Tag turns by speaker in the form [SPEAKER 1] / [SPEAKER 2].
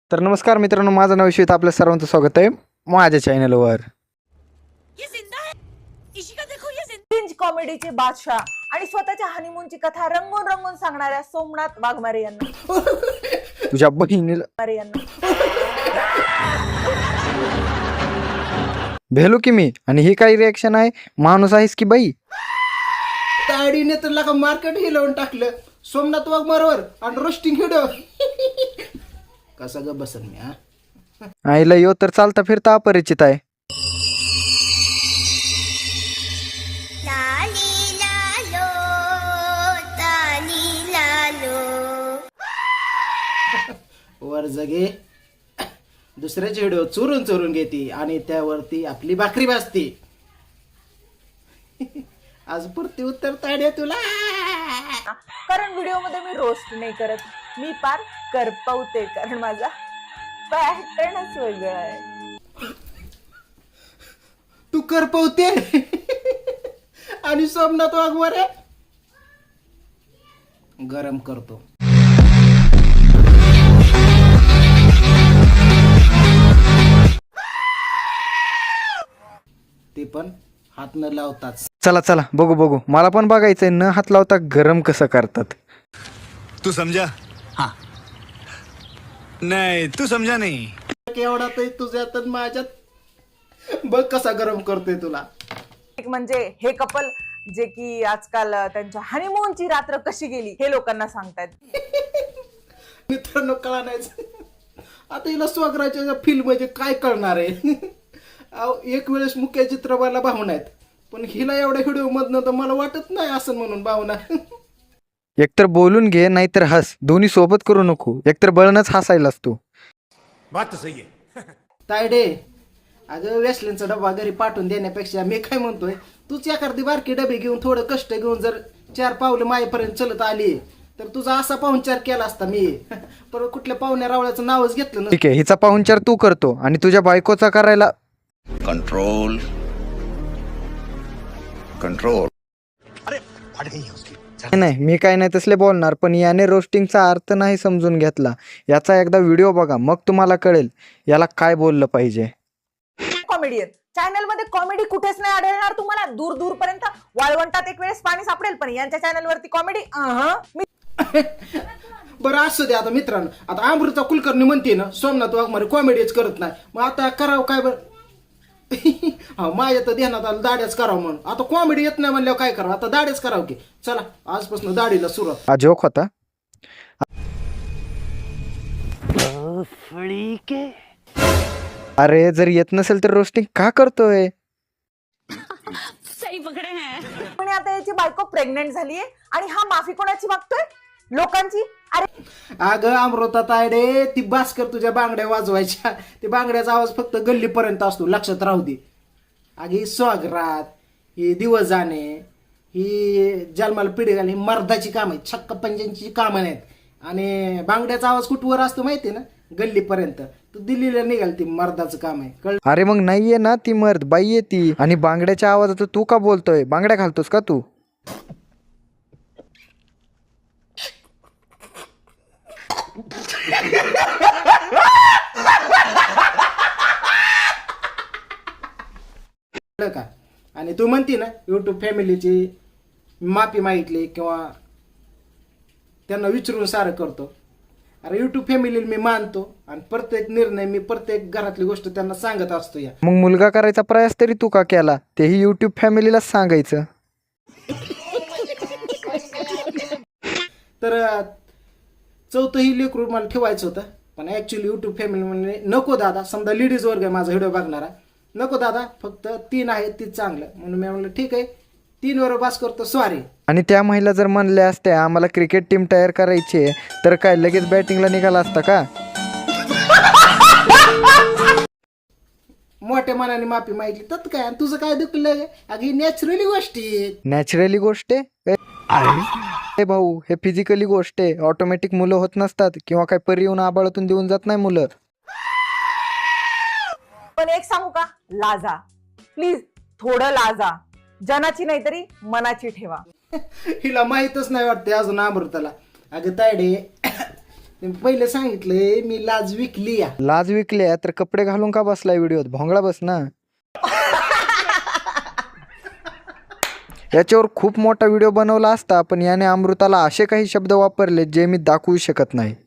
[SPEAKER 1] तर नमस्कार मित्रांनो, माझं नाव श्वेत, आपल्या सर्वांचं स्वागत आहे माझ्या चॅनलवर.
[SPEAKER 2] किंज कॉमेडीचे बादशाह आणि स्वतःच्या हनीमूनची कथा रंगून रंगून सांगणाऱ्या सोमनाथ वाघमारे यांना
[SPEAKER 1] तुझ्या बहिणीला भेलो की मी, आणि ही काही रिॲक्शन आहे? माणूस आहेस की बाई?
[SPEAKER 3] ताडीने तर लका मार्केट हिलवून टाकलं सोमनाथ वाघमारेवर आणि रोस्टिंग व्हिडिओ. कसा ग बसन मी हा?
[SPEAKER 1] आईला यो तर चालता फिरता अपरिचित आहे.
[SPEAKER 3] वर जगे दुसऱ्याचे व्हिडिओ चोरून चोरून घेते आणि त्यावरती आपली भाकरी भाजते. आज पुरती उत्तर ताड्या तुला.
[SPEAKER 2] कारण व्हिडिओ मध्ये मी रोस्ट नाही करत, मी पार करपवते, कारण माझा पॅटर्नच वेगळा आहे.
[SPEAKER 3] तू करपवते आणि सोमनाथ वाघमारे गरम करतो. ते पण हात न लावताच.
[SPEAKER 1] चला चला बघू, मला पण बघायचंय न हात लावता गरम कसं करतात.
[SPEAKER 4] तू समझा? हाँ. नहीं, तू समझा नहीं.
[SPEAKER 3] एवढा तर तुझ्यात आणि माझ्यात बघ कसा गरम करतोय तुला.
[SPEAKER 2] एक म्हणजे हे कपल जे की आजकाल त्यांच्या हनीमूनची रात्र कशी गेली हे लोकांना सांगतायत.
[SPEAKER 3] मित्रांनो कळा नाही आता हिला स्वग्राच्या फिल्म म्हणजे काय कळणार आहे. एक वेळेस मुख्य चित्रपटाला भावना आहेत, पण हिला एवढ्या व्हिडिओ मधनं तर मला वाटत नाही असं म्हणून भावना.
[SPEAKER 1] एकतर बोलून घे नाहीतर हस, दोन्ही सोबत करू नको. एकतर बळणच हसायलाच तू.
[SPEAKER 4] बात तो सही है.
[SPEAKER 3] तायडे अगं वेसलेनचा डबा घरी पाठवून देण्यापेक्षा मी काय म्हणतोय, तूच एखादी बारकी डबे घेऊन थोडं कष्ट घेऊन जर 4 पावलं मायेपर्यंत चलत आली तर तुझा असा पाहुणचार केला असता मी. पण कुठल्या पाहुण्या रावळ्याचं नावच घेतलं ना.
[SPEAKER 1] ठीक आहे, हिचा पाहुणचार तू करतो आणि तुझ्या बायकोचा करायला
[SPEAKER 4] कंट्रोल कंट्रोल. अरे फट गई है उसकी.
[SPEAKER 1] नाही, मी काय नाही तसले बोलणार, पण याने रोस्टिंगचा अर्थ नाही समजून घेतला. याचा एकदा व्हिडिओ बघा, मग तुम्हाला कळेल याला काय बोललं पाहिजे.
[SPEAKER 2] कॉमेडियन चॅनल मध्ये कॉमेडी कुठेच नाही आढळणार तुम्हाला. दूर दूर पर्यंत वाळवंटात एक वेळेस पाणी सापडेल, पण यांच्या चॅनल वरती कॉमेडी.
[SPEAKER 3] बरं असू दे. आता मित्रांनो, आता अमृता कुलकर्णी म्हणते ना सोमनाथ वाघमारे कॉमेडीच करत नाही, मग आता करावं काय बरं. हा माझ्या तर ध्यानात आलं दाड्याच करावं म्हणून. आता कॉमेडी येत नाही म्हणल्यावर काय करावं, आता दाड्याच करावं की. चला आजपासून दाढीला सुरुवात.
[SPEAKER 1] हा जोक होता. अरे जर येत नसेल तर रोस्टिंग का करतोय?
[SPEAKER 2] पण आता याची बायको प्रेग्नेंट झालीये आणि हा माफी कोणाची मागतोय? लोकांची. अरे
[SPEAKER 3] अगं अमृता तायडे, ती बास्कर तुझ्या बांगड्या वाजवायच्या, ते बांगड्याचा आवाज फक्त गल्लीपर्यंत असतो, लक्षात राहू दे. अगे ही स्वागरात, ही दिवस जाणे, ही जन्माला पिढी घालणे, ही मर्दाची काम आहेत, छक्क पंजांची कामं नाहीत. आणि बांगड्याचा आवाज कुठवर असतो माहिती ना, गल्लीपर्यंत. तू दिल्लीला निघाल, ती मर्दाचं काम आहे, कळ.
[SPEAKER 1] अरे मग नाहीये ना ती मर्द, बाई आहे ती. आणि बांगड्याच्या आवाजात तू का बोलतोय? बांगड्या घालतोस का तू?
[SPEAKER 3] का. आणि तू म्हणती ना युट्यूब फॅमिलीची माफी मागितली किंवा त्यांना विचारून सारं करतो. अरे युट्यूब फॅमिलीला मी मानतो आणि प्रत्येक निर्णय मी प्रत्येक घरातली गोष्ट त्यांना सांगत असतो. या
[SPEAKER 1] मग मुलगा करायचा प्रयास तरी तू का केला? तेही युट्यूब फॅमिलीला सांगायचं.
[SPEAKER 3] तर चौथंही लेकरू मला ठेवायचं होतं, पण ऍक्च्युली युट्यूब फॅमिली म्हणजे नको दादा, समजा लेडीज वर्ग आहे माझा व्हिडिओ बघणारा, नको दादा फक्त 3 आहेत तीच चांगलं. म्हणून मी म्हणलं ठीक आहे 3 वर बस करतो, सॉरी.
[SPEAKER 1] आणि त्या महिला जर म्हणल्या असत्या आम्हाला क्रिकेट टीम तयार करायची आहे, तर काय लगेच बॅटिंगला निघाला असता का?
[SPEAKER 3] मोठ्या मनाने माफी मागितली तर काय, आणि तुझं काय दुखलं? अगदी नॅचरली गोष्टी.
[SPEAKER 1] नॅचरली गोष्ट आहे हे भाऊ, हे फिजिकली गोष्ट आहे. ऑटोमॅटिक मुलं होत नसतात, किंवा काय परी येऊन आबाळातून देऊन जात नाही मुलं.
[SPEAKER 2] पण एक सांगू का, लाजा प्लीज, थोडं लाजा. जनाची नाही तरी मनाची ठेवा.
[SPEAKER 3] हिला माहीतच नाही वाटते अजून अमृताला. अगं तायडे तुम्ही पहिले सांगितलंय मी लाज विकली या.
[SPEAKER 1] लाज विकले तर कपडे घालून का बसलाय व्हिडिओत? भोंगळा बस ना. याच्यावर खूप मोठा व्हिडिओ बनवला असता, पण याने अमृताला असे काही शब्द वापरले जे मी दाखवू शकत नाही.